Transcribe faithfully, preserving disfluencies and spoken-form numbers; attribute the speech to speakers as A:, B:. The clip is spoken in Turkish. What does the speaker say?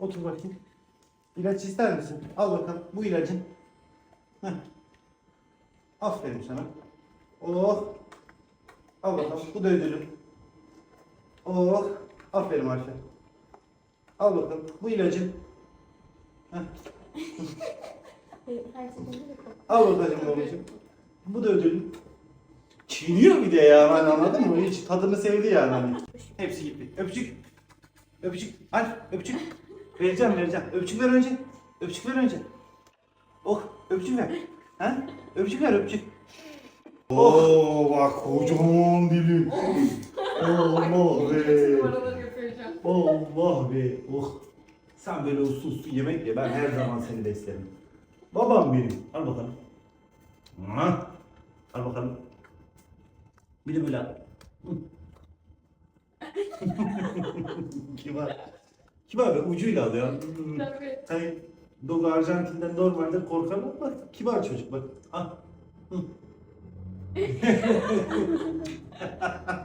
A: Otur bakayım. İlaç ister misin? Al bakalım. Bu ilacın. Heh. Aferin sana. Oh. Al bakalım. Bu da ödülün. Oh. Aferin Arşa. Al bakalım. Bu ilacın. Heh.
B: Her seferinde de kork-
A: Al bakalım babacığım. Bu da ödülün. Çiğniyor bir de ya, hani anladın mı? Hiç tadını sevdi yani hani. Hepsi gitti. Öpücük. Öpücük. Al öpücük. Vereceğim vereceğim. Öpücük ver önce. Öpücük ver önce. Oh öpücük ver. Ha? Öpücük ver öpücük. Oo bak kocaman dili. Allah be.
B: Numaraları yapacağım.
A: Allah be. Oh. Sen böyle uslu uslu yemek ye. Ben her zaman seni beslerim. Babam benim. Al bakalım. Ha? Al bakalım. Bir de böyle al. Kibar. Kibar be, ucuyla al ya.
B: Tabii.
A: Hani Dogo Arjantin'den normalde korkar ama bak kibar çocuk bak. Ah. Hı.